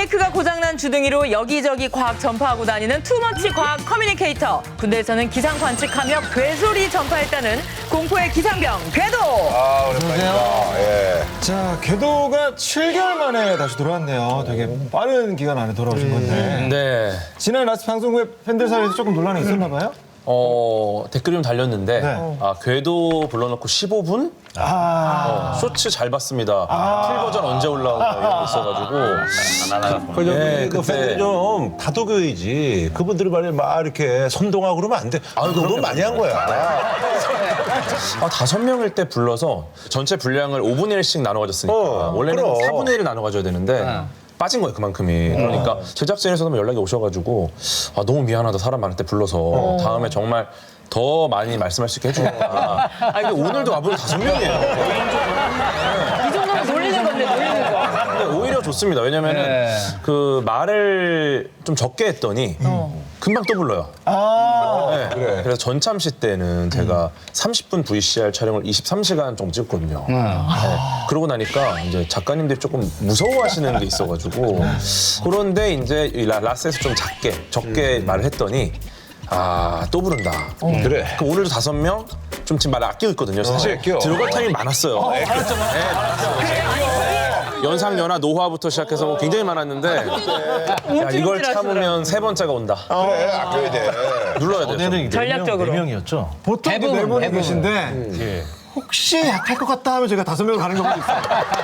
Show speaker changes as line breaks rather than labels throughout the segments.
브레이크가 고장난 주둥이로 여기저기 과학 전파하고 다니는 투머치 과학 커뮤니케이터. 군대에서는 기상 관측하며 괴소리 전파했다는 공포의 기상병 궤도.
아, 오랜만이다. 예.
자, 궤도가 7개월 만에 다시 돌아왔네요. 되게 빠른 기간 안에 돌아오신 건데.
네.
지난 라스트 방송 후에 팬들 사이에서 조금 논란이 있었나 봐요?
댓글이 좀 달렸는데
네.
궤도 불러놓고 15분? 쇼츠 잘 봤습니다. 풀 버전 언제 올라오나 이런 게 있어가지고
그
그때-
팬들이 좀 다독여야지. 그분들이 말이야 막 이렇게 선동하고 그러면 안 돼. 그건 많이 한 거야.
5명일 때 불러서 전체 분량을 5분의 1씩 나눠 가졌으니까 원래는
그럼.
4분의 1을 나눠 가져야 되는데 빠진 거예요, 그만큼이. 그러니까 제작진에서도 연락이 오셔가지고 너무 미안하다, 사람 많을 때 불러서 다음에 정말 더 많이 말씀할 수 있게 해주겠다. 근데 오늘도 와보니 5명이에요.
이 정도면 놀리는 건데, 놀리는 거.
근데 오히려 좋습니다. 왜냐면은 그 말을 좀 적게 했더니 금방 또 불러요. 네.
그래.
그래서 전참시 때는 제가 30분 VCR 촬영을 23시간 정도 찍었거든요. 네. 그러고 나니까 이제 작가님들이 조금 무서워하시는 게 있어가지고 그런데 이제 이 라스에서 좀 적게 말을 했더니 또 부른다.
그래.
그럼 오늘도 5명 좀 지금 말을 아끼고 있거든요. 사실
아껴.
들어갈 타임이 많았어요. 연상연하 노화부터 시작해서 뭐 굉장히 많았는데 야, 이걸 참으면 3번째가 온다.
그래, 아껴야 돼.
눌러야 돼요.
전략적으로.
4명이었죠? 보통
대부분,
4분이
대부분.
계신데 혹시 약할 것 같다 하면 제가 5명 가는 경우도 있어요.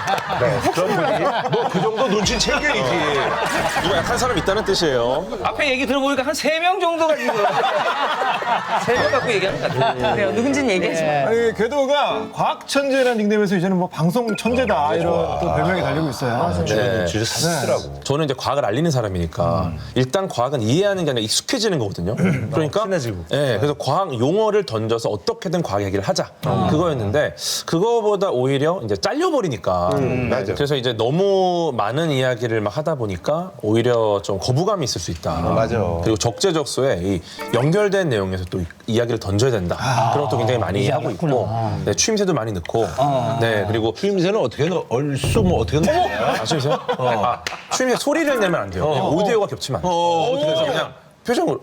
뭐 그 정도 눈치 챙겨야지.
누가 약한 사람 있다는 뜻이에요.
앞에 얘기 들어보니까 한 3명 정도가 지금 3명 갖고 얘기하는 것 같아요.
그래요, 누군지는 얘기하지 마.
아니, 궤도가 과학천재라는 닉네임에서 이제는 뭐 방송 천재다 이런 또 별명이 달리고 있어요.
네.
눈치를 샀더라고.
저는 이제 과학을 알리는 사람이니까 일단 과학은 이해하는 게 아니라 익숙해지는 거거든요. 그러니까
친해지고.
네, 그래서 과학 용어를 던져서 어떻게든 과학 얘기를 하자. 그거였는데 그거보다 오히려 이제 잘려버리니까
맞아.
그래서 이제 너무 많은 이야기를 막 하다 보니까 오히려 좀 거부감이 있을 수 있다.
맞아.
그리고 적재적소에 이 연결된 내용에서 또 이야기를 던져야 된다. 그런 것도 굉장히 많이 하고 있고 네, 추임새도 많이 넣고 네, 그리고
추임새는 어떻게 넣어? 얼쑤 뭐 어떻게 넣어?
추임새? 추임새 소리를 내면 안 돼요. 오디오가 겹치면 안 돼요. 그래서 그냥 표정으로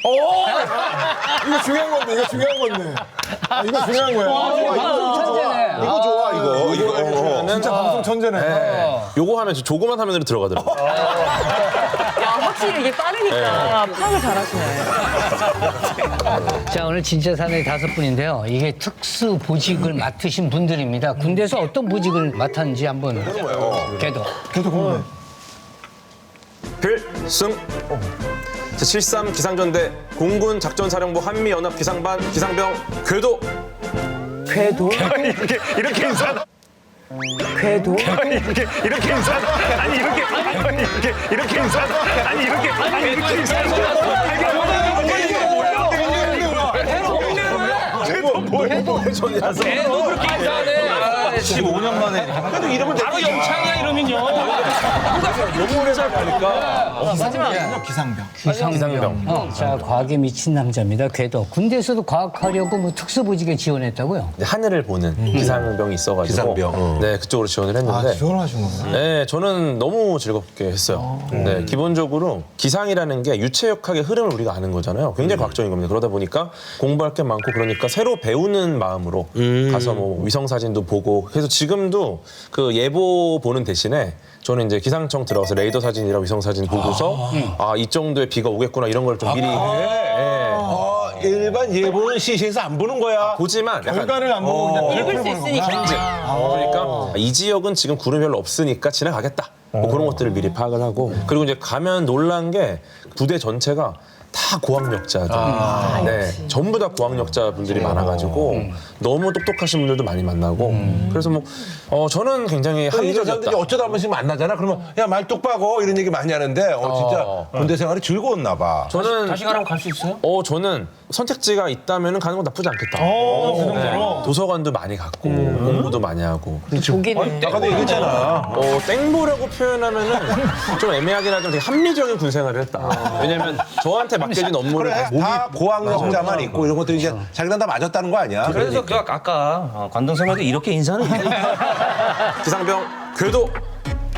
이거 중요한 건데, 이거 중요한 건데. 이거 중요한 거야.
이거 좋아, 이거.
진짜 방송 천재네.
요거 하면 조그만 화면으로 들어가더라고요.
야, 확실히 이게 빠르니까 파악을 잘하시네.
자, 오늘 진짜 사나이 5분인데요. 이게 특수 보직을 맡으신 분들입니다. 군대에서 어떤 보직을 맡았는지 한번 걔도.
궤도 궁금해.
필승 제73 기상전대 공군 작전사령부 한미연합 기상반 기상병 궤도
궤도?
이렇게 인사
궤도?
이렇게 인사 아니 이렇게 인사 아니 이렇게 인사
걔도 그렇게 인사하네.
15년 만에
그래도 이름은
바로 영창이야, 이러면요.
기상병.
기상병.
자, 과학에 미친 남자입니다. 궤도. 군대에서도 과학하려고 뭐 특수보직에 지원했다고요?
이제 하늘을 보는 기상병이 있어가지고
기상병.
네, 그쪽으로 지원을 했는데
지원하신 거구나.
네, 저는 너무 즐겁게 했어요. 네, 기본적으로 기상이라는 게 유체역학의 흐름을 우리가 아는 거잖아요. 굉장히 과학적인 겁니다. 그러다 보니까 공부할 게 많고 그러니까 새로 배우는 마음으로 가서 뭐 위성 사진도 보고 그래서 지금도 그 예보 보는 대신에 저는 이제 기상청 들어가서 레이더 사진이랑 위성 사진 보고서 이 정도의 비가 오겠구나 이런 걸 좀 미리
일반 예보는 CC에서 안 보는 거야.
보지만 약간
결과를 안 보고 그냥
읽을 수 있으니까.
그러니까 이 지역은 지금 구름이 별로 없으니까 지나가겠다. 뭐 그런 것들을 미리 파악을 하고 그리고 이제 가면 놀란 게 부대 전체가 다 고학력자들. 네, 전부 다 고학력자분들이 많아가지고 너무 똑똑하신 분들도 많이 만나고 그래서 뭐 저는 굉장히
이런 사람들이
합리적이었다.
어쩌다 한 번씩 만나잖아. 그러면 야 말 똑바고 이런 얘기 많이 하는데 진짜 군대 생활이 즐거웠나 봐.
저는
다시 가라고 갈 수 있어요?
저는 선택지가 있다면 가는 건 나쁘지 않겠다. 네, 도서관도 많이 갔고 공부도 많이 하고.
보기는.
아까도 얘기했잖아.
땡보라고 표현하면은 좀 애매하긴 하지만 되게 합리적인 군 생활을 했다. 왜냐면 저한테 맡겨진 업무를
그래, 다 고학력자만 있고 이런 것들이 이제 자기랑 다 맞았다는 거 아니야?
그래서 그 아까 관동 선배도 이렇게 인사는
기상병 궤도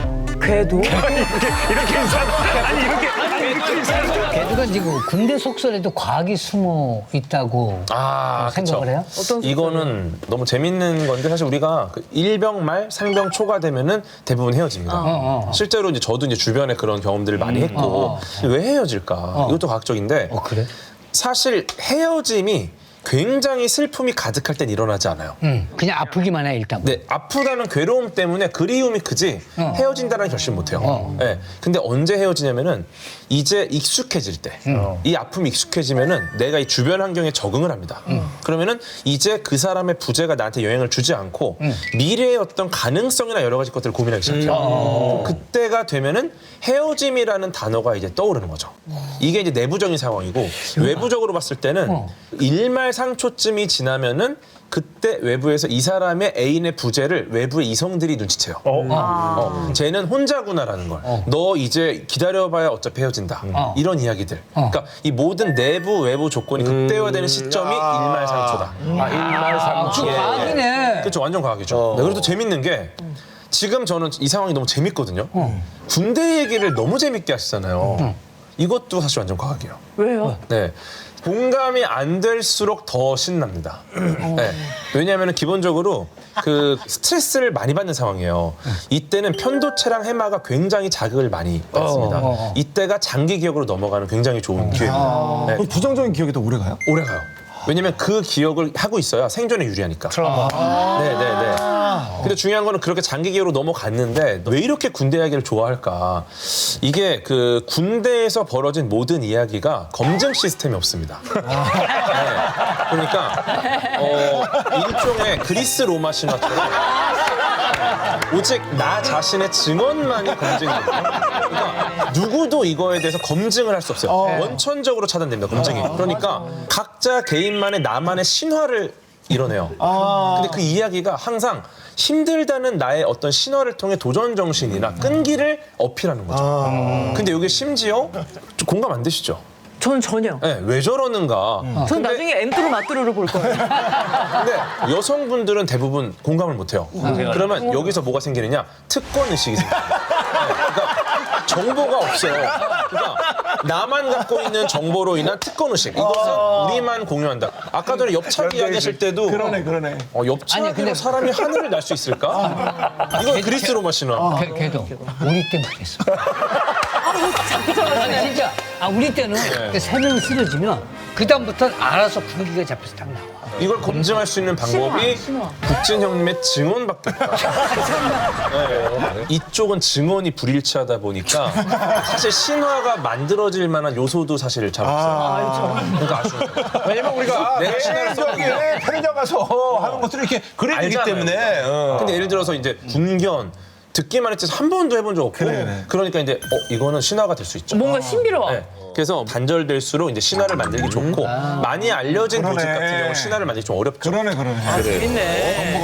궤도?
이렇게 인사하는 아니 이렇게 인사하는
걔들가 지금 군대 속설에도 과학이 숨어 있다고 생각을 해요?
이거는 너무 재밌는 건데 사실 우리가 그 일병 말 상병 초가 되면은 대부분 헤어집니다. 실제로 이제 저도 이제 주변에 그런 경험들을 많이 했고 왜 헤어질까? 이것도 과학적인데
그래?
사실 헤어짐이 굉장히 슬픔이 가득할 땐 일어나지 않아요.
그냥 아프기만 해 일단.
네, 아프다는 괴로움 때문에 그리움이 크지 헤어진다는 결심 못 해요. 네, 근데 언제 헤어지냐면은 이제 익숙해질 때, 이 아픔이 익숙해지면은 내가 이 주변 환경에 적응을 합니다. 그러면은 이제 그 사람의 부재가 나한테 영향을 주지 않고 미래의 어떤 가능성이나 여러 가지 것들을 고민하기 시작해요. 그때가 되면은 헤어짐이라는 단어가 이제 떠오르는 거죠. 이게 이제 내부적인 상황이고 외부적으로 봤을 때는 일말상초쯤이 지나면은 그때 외부에서 이 사람의 애인의 부재를 외부의 이성들이 눈치채요. 쟤는 혼자구나라는 걸. 너 이제 기다려봐야 어차피 헤어진다. 이런 이야기들. 그러니까 이 모든 내부 외부 조건이 극대화되는 시점이 일말상초다.
그 과학이네.
그렇죠, 완전 과학이죠. 네, 그래도 재밌는 게 지금 저는 이 상황이 너무 재밌거든요. 군대 얘기를 너무 재밌게 하시잖아요. 이것도 사실 완전 과학이에요.
왜요?
네. 공감이 안 될수록 더 신납니다. 네. 왜냐하면 기본적으로 그 스트레스를 많이 받는 상황이에요. 이때는 편도체랑 해마가 굉장히 자극을 많이 받습니다. 이때가 장기 기억으로 넘어가는 굉장히 좋은 기회입니다. 네.
그럼 부정적인 기억이 더 오래 가요?
오래 가요. 왜냐면 그 기억을 하고 있어야 생존에 유리하니까. 네네네. 근데 중요한 거는 그렇게 장기 기억으로 넘어갔는데 왜 이렇게 군대 이야기를 좋아할까? 이게 그 군대에서 벌어진 모든 이야기가 검증 시스템이 없습니다. 네. 그러니까 일종의 그리스 로마 신화처럼 오직 나 자신의 증언만이 검증이거든요. 그러니까 누구도 이거에 대해서 검증을 할 수 없어요. 원천적으로 차단됩니다, 검증이. 그러니까 각자 개인만의 나만의 신화를 이뤄내요. 근데 그 이야기가 항상 힘들다는 나의 어떤 신화를 통해 도전 정신이나 끈기를 어필하는 거죠. 근데 이게 심지어 좀 공감 안 되시죠?
저는 전혀.
네, 왜 저러는가.
전 나중에 엠뚜루 마뚜루를 볼 거예요.
근데 여성분들은 대부분 공감을 못 해요. 그러면 여기서 뭐가 생기느냐? 특권 의식이 생겨요. 네, 그러니까 정보가 없어요. 그러니까 나만 갖고 있는 정보로 인한 특권 의식. 이것은 우리만 공유한다. 아까 전에 옆차기 이야기하실 때도
그러네.
근데-
옆차기로 사람이 하늘을 날 수 있을까? 이건 그리스 로마 신화.
걔도 우리 때만 했어. 아니 진짜 우리 때는 세 명 쓰러지면 그 다음부터는 알아서 분기가 잡혀서 딱 나와.
이걸 검증할 수 있는 방법이 국진 형님의 증언밖에 없다. 네. 이쪽은 증언이 불일치하다 보니까 사실 신화가 만들어질 만한 요소도 사실 잘 없어요. 그러니까 아쉬워요.
왜냐면 우리가
내가 신화를
저기에 편의점 가서 하는 것들을 이렇게 그려주기
알잖아요.
때문에.
근데 예를 들어서 이제 군견 듣기만 했지 한 번도 해본 적 없고 그러니까 이제 이거는 신화가 될 수 있죠.
뭔가 신비로워.
네. 그래서 단절될수록 이제 신화를 만들기 좋고 많이 알려진 조직 같은 경우는 신화를 만들기 좀 어렵죠.
그러네.
재밌네.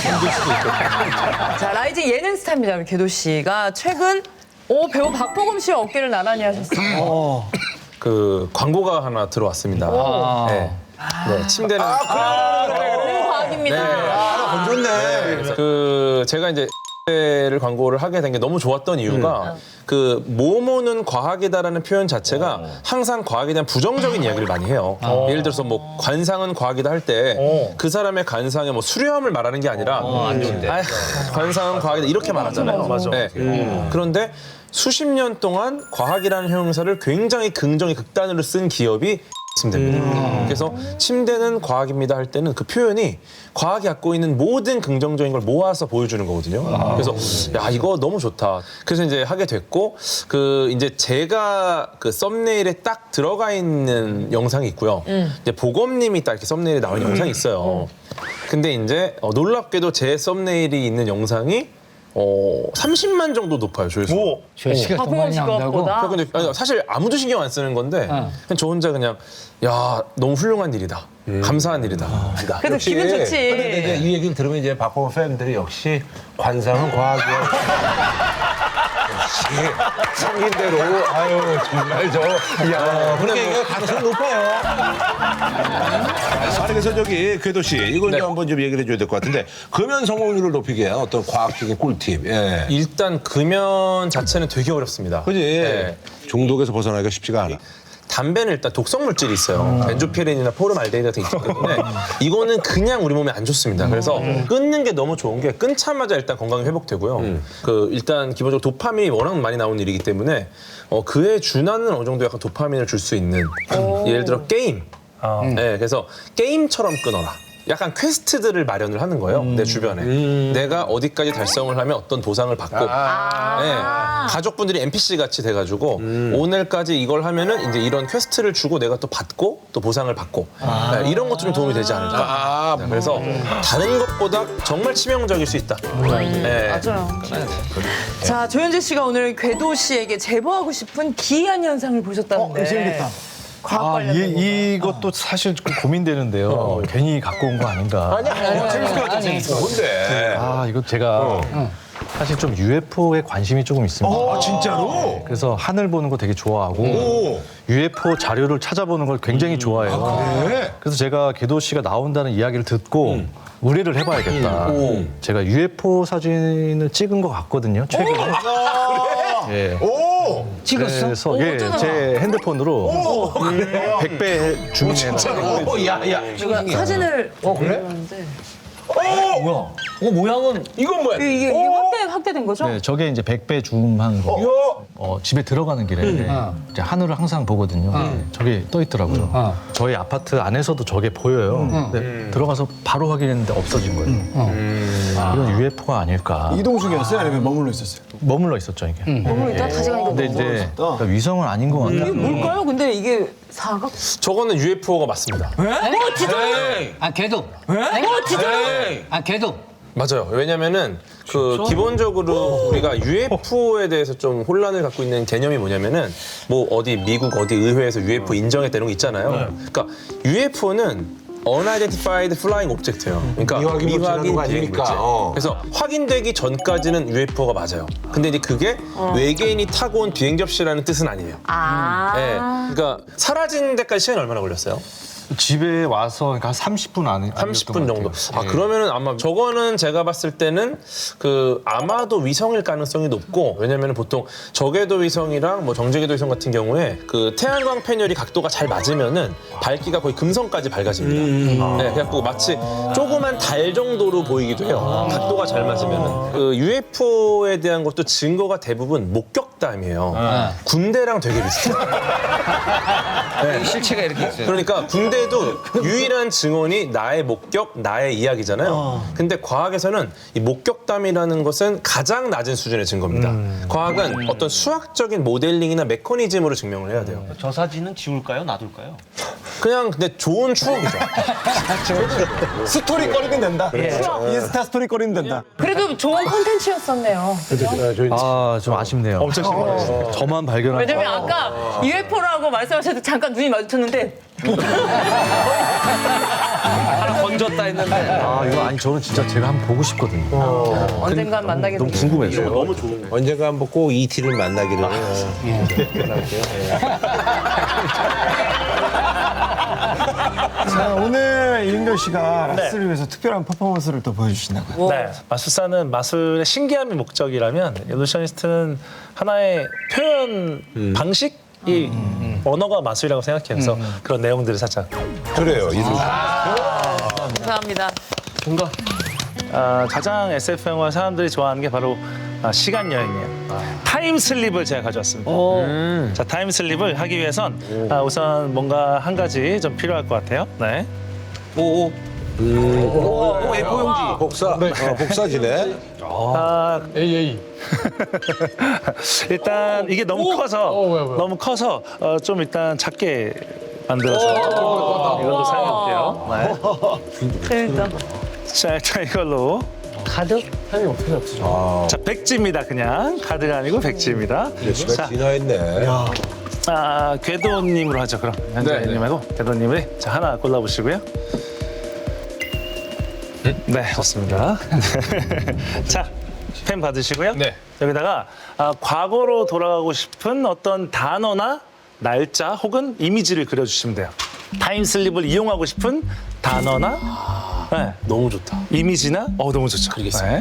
자, 라이징 예능 스타입니다, 우리 궤도 씨가 최근 배우 박보검 씨와 어깨를 나란히 하셨어요.
그 광고가 하나 들어왔습니다. 네. 네, 침대는
과학입니다.
건졌네.
그 제가 이제 를 광고를 하게 된 게 너무 좋았던 이유가 그 모모는 과학이다라는 표현 자체가 항상 과학에 대한 부정적인 이야기를 많이 해요. 예를 들어서 뭐 관상은 과학이다 할 때 그 사람의 관상에 뭐 수려함을 말하는 게 아니라 관상은 과학이다 이렇게 말하잖아요.
맞아.
네. 그런데 수십 년 동안 과학이라는 형용사를 굉장히 긍정의 극단으로 쓴 기업이 침대입니다. 그래서 침대는 과학입니다 할 때는 그 표현이 과학이 갖고 있는 모든 긍정적인 걸 모아서 보여주는 거거든요. 그래서 야 이거 너무 좋다. 그래서 이제 하게 됐고 그 이제 제가 그 썸네일에 딱 들어가 있는 영상이 있고요. 이제 보검님이 딱 이렇게 썸네일에 나온 영상이 있어요. 근데 이제 놀랍게도 제 썸네일이 있는 영상이 30만 정도 높아요, 조회수.
조회수가 더
박보검
많이
씨
나온다고?
것보다.
근데 사실 아무도 신경 안 쓰는 건데 그냥 저 혼자 그냥 야 너무 훌륭한 일이다. 감사한 일이다.
그래도 기분 좋지.
근데 이제 이 얘기를 들으면 이제 박보검 팬들이 역시 관상은 과학이야. 생긴 대로 아유 정말 그렇게 얘기할 가능성이 높아요. 아니 그래서 저기 궤도 씨 이건 좀 한번 좀 얘기를 해줘야 될 것 같은데 금연 성공률을 높이기 위한 어떤 과학적인 꿀팁. 예.
일단 금연 자체는 되게 어렵습니다.
그지?
네.
중독에서 벗어나기가 쉽지가 않아.
담배는 일단 독성 물질이 있어요. 벤조피렌이나 포름알데히드 같은 게 있기 때문에 이거는 그냥 우리 몸에 안 좋습니다. 그래서 끊는 게 너무 좋은 게 끊자마자 일단 건강이 회복되고요. 그 일단 기본적으로 도파민이 워낙 많이 나오는 일이기 때문에 그에 준하는 어느 정도 약간 도파민을 줄 수 있는 예를 들어 게임. 네, 그래서 게임처럼 끊어라. 약간 퀘스트들을 마련을 하는 거예요. 내 주변에. 내가 어디까지 달성을 하면 어떤 보상을 받고. 네, 가족분들이 NPC 같이 돼가지고 오늘까지 이걸 하면은 이제 이런 퀘스트를 주고 내가 또 받고 또 보상을 받고 네, 이런 것도 좀 도움이 되지 않을까. 네, 그래서 다른 것보다 정말 치명적일 수 있다. 네.
맞아요. 자, 조현재 씨가 오늘 궤도 씨에게 제보하고 싶은 기이한 현상을 보셨다는데.
재밌겠다.
과학 관련.
이것도 사실 좀 고민되는데요. 괜히 갖고 온 거 아닌가.
재밌을 것 같아. 뭔데?
이거 제가 사실 좀 UFO에 관심이 조금 있습니다.
아 진짜로?
그래서 하늘 보는 거 되게 좋아하고
오.
UFO 자료를 찾아보는 걸 굉장히 좋아해요.
그래?
그래서 제가 궤도 씨가 나온다는 이야기를 듣고 의뢰를 해봐야겠다. 제가 UFO 사진을 찍은 것 같거든요. 최근에. 예.
오.
찍었어?
그래서 제 핸드폰으로 100배 줌인해서
오, 야.
제가 사진을
그래?
모양은
이건 뭐야?
이게 확대된 거죠?
네, 저게 이제 100배 줌한 거.
이거
집에 들어가는 길에 이제 하늘을 항상 보거든요. 저게 떠 있더라고요. 저희 아파트 안에서도 저게 보여요. 근데 들어가서 바로 확인했는데 없어진 거예요. 이건 UFO가 아닐까.
이동 중이었어요? 아니면 머물러 있었어요?
머물러 있었죠 이게.
너무 일단 다시 가니까
근데 이제 그러니까 위성은 아닌 것 같아요.
이게 뭘까요? 근데 이게 사각?
저거는 UFO가 맞습니다.
아 걔도. 아 걔도.
맞아요. 왜냐면은 기본적으로 우리가 UFO에 대해서 좀 혼란을 갖고 있는 개념이 뭐냐면은 뭐 어디 미국 어디 의회에서 UFO 인정했다 이런 거 있잖아요. 그러니까 UFO는 Unidentified Flying Object예요. 그러니까
미확인 물질이라는 거
비행
아닙니까?
물질. 그래서 확인되기 전까지는 UFO가 맞아요. 근데 이제 그게 외계인이 타고 온 비행 접시라는 뜻은 아니에요. 네. 그러니까 사라진 데까지 시간이 얼마나 걸렸어요?
집에 와서 그러니까 한 30분 안에
30분 정도. 그러면은 아마 저거는 제가 봤을 때는 아마도 위성일 가능성이 높고 왜냐면은 보통 저궤도 위성이랑 뭐 정제궤도 위성 같은 경우에 태양광 패널이 각도가 잘 맞으면은 밝기가 거의 금성까지 밝아집니다. 네, 그래갖고 마치 조그만 달 정도로 보이기도 해요. 각도가 잘 맞으면은 UFO에 대한 것도 증거가 대부분 목격담이에요. 군대랑 되게 비슷해요.
실체가 이렇게 있어요.
그러니까 군대도 유일한 증언이 나의 목격, 나의 이야기잖아요. 근데 과학에서는 이 목격담이라는 것은 가장 낮은 수준의 증거입니다. 과학은 어떤 수학적인 모델링이나 메커니즘으로 증명을 해야 돼요.
저 사진은 지울까요? 놔둘까요?
그냥 근데 좋은 추억이죠.
스토리거리는 된다. 인스타 스토리거리는 된다.
그래도 좋은 콘텐츠였었네요.
좀 아쉽네요. 엄청 심해요. 저만 발견한
왜냐면 아까 UFO라고 말씀하셔도 잠깐 눈이 마주쳤는데
하나 건졌다 했는데.
이거 아니 저는 진짜 제가 한번 보고 싶거든요.
언젠간 만나게
너무
되겠죠.
궁금해서요.
너무 좋은 거.
언젠가 한번 꼭 ET를 만나기를.
자, 오늘 이은결 씨가 라스를 위해서 특별한 퍼포먼스를 또 보여주신다고요.
네, 마술사는 마술의 신기함이 목적이라면 일루셔니스트는 하나의 표현 방식이 언어가 마술이라고 생각해요. 그래서 그런 내용들을 살짝.
그래요.
감사합니다.
가장 SF 영화 사람들이 좋아하는 게 바로 시간 여행이에요. 타임슬립을 제가 가져왔습니다. 자, 타임슬립을 하기 위해선 우선 뭔가 한 가지 좀 필요할 것 같아요. 네.
A4용지. 복사지네.
일단 이게 너무 커서 좀 일단 작게 만들어서 이걸로 사용할게요.
재밌다.
자, 일단 이걸로
가득?
자, 백지입니다. 그냥 카드가 아니고 백지입니다.
시간 지나했네.
궤도님으로 하죠. 그럼 현재님하고 궤도님을 자, 하나 골라보시고요. 네, 좋습니다. 자, 펜 받으시고요.
네.
여기다가 과거로 돌아가고 싶은 어떤 단어나 날짜 혹은 이미지를 그려주시면 돼요. 타임슬립을 이용하고 싶은 단어나 네,
너무 좋다.
이미지나 너무 좋죠.
그리겠습니다.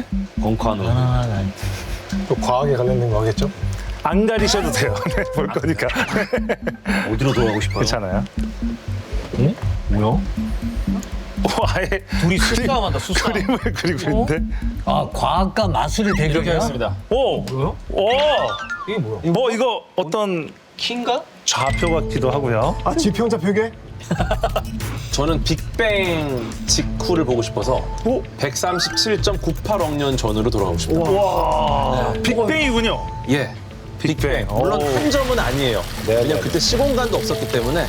또 과학에 관련된 거 하겠죠?
안 가리셔도 돼요. 네, 볼 거니까.
어디로 돌아가고 싶어요?
괜찮아요.
뭐야?
아예
둘이 수싸움한다, 수싸움.
그림을 그리고 있는데.
아, 과학과 마술의
이렇게
대결이야?
하겠습니다.
오! 뭐요? 오!
이게 뭐야?
이거 어떤
킹가?
좌표 같기도 하고요.
아, 지평자 표계?
저는 빅뱅 직후를 보고 싶어서 137.98억 년 전으로 돌아가고 싶다.
와, 빅뱅이군요.
예. 빅뱅. 물론 한 점은 아니에요. 왜냐면 그때 시공간도 없었기 때문에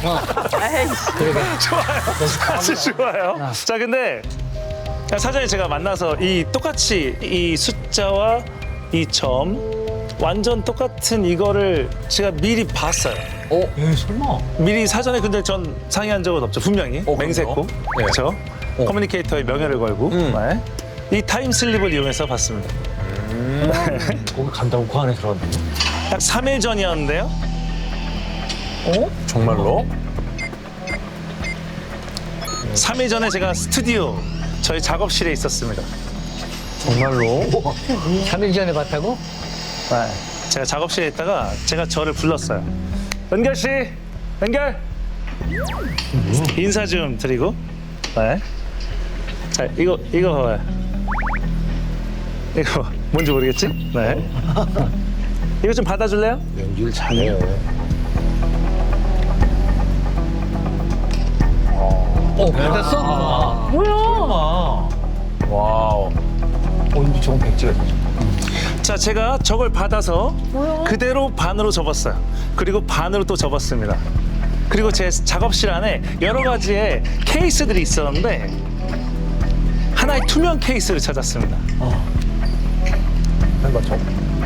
아주 좋아요. 자, 근데 사전에 제가 만나서 똑같이 이 숫자와 이 점 완전 똑같은 이거를 제가 미리 봤어요.
설마.
미리 사전에 근데 전 상의한 적은 없죠. 분명히 맹세코.
네.
그렇죠. 커뮤니케이터의 명예를 걸고 네. 이 타임슬립을 이용해서 봤습니다.
거기 간다고 그 안에 들어갔는데.
약 3일 전이었는데요.
정말로
3일 전에 제가 스튜디오 저희 작업실에 있었습니다.
정말로
3일 전에 봤다고?
네. 제가 작업실에 있다가 제가 저를 불렀어요. 은결 씨, 은결. 인사 좀 드리고. 네. 자, 이거 봐봐요. 이거 뭔지 모르겠지? 네. 이거 좀 받아줄래요?
연기를 잘해요.
받았어?
와우.
근데 저건 백지가 되죠.
자, 제가 저걸 받아서 그대로 반으로 접었어요. 그리고 반으로 또 접었습니다. 그리고 제 작업실 안에 여러 가지의 케이스들이 있었는데 하나의 투명 케이스를 찾았습니다.
맞죠?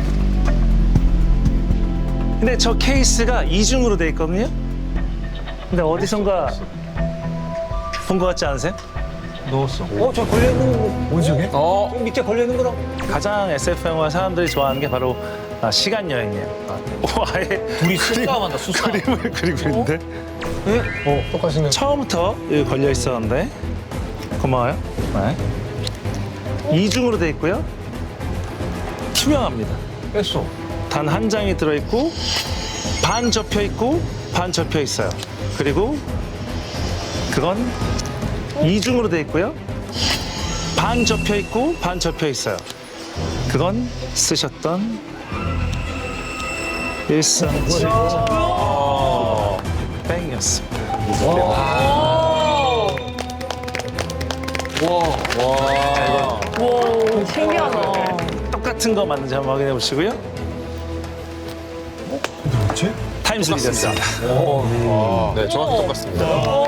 근데 저 케이스가 이중으로 돼 있거든요. 근데 어디선가 본 것 같지 않으세요?
넣었어. 저 걸려있는 거. 뭐지, 저게? 밑에 걸려있는 거랑.
가장 SF 영화 사람들이 좋아하는 게 바로 시간 여행이에요. 아예
둘이 수싸움한다, 수싸움.
그림을 그리고 있는데
똑같이는.
처음부터 여기 걸려 있었는데 고마워요. 네. 이중으로 돼 있고요. 투명합니다.
뺐어.
단 한 장이 들어 있고 반 접혀 있고 반 접혀 있어요. 그리고 그건 이중으로 돼 있고요. 반 접혀 있고 반 접혀 있어요. 그건 쓰셨던 1cm 뺑이었습니다.
신기하다.
똑같은 거 맞는지 한번 확인해 보시고요.
뭐지?
타임슬립이었습니다.
네, 정확히 똑같습니다.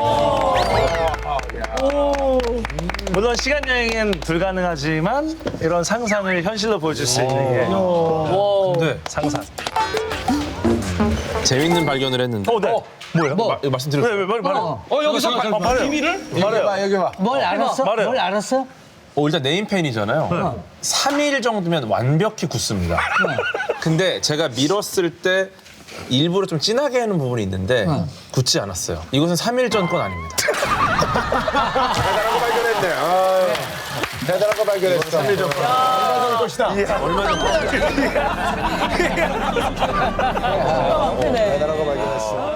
물론 시간 여행은 불가능하지만 이런 상상을 현실로 보여줄 수 있는 게
근데
상상.
재밌는 발견을 했는데.
네. 뭐예요?
이거 말씀드렸어요.
왜 말해요?
여기서
말해요.
비밀을?
말해요.
여기 봐.
뭘 알았어?
말해요.
뭘 알았어?
일단 네임펜이잖아요. 3일 정도면 완벽히 굳습니다. 근데 제가 밀었을 때 일부러 좀 진하게 하는 부분이 있는데 굳지 않았어요. 이것은 3일 전 건 아닙니다.
대단한 거 발견했네. 대단한 거 발견했어. 3일 전
얼마 전 거.
대단한 거 발견했어.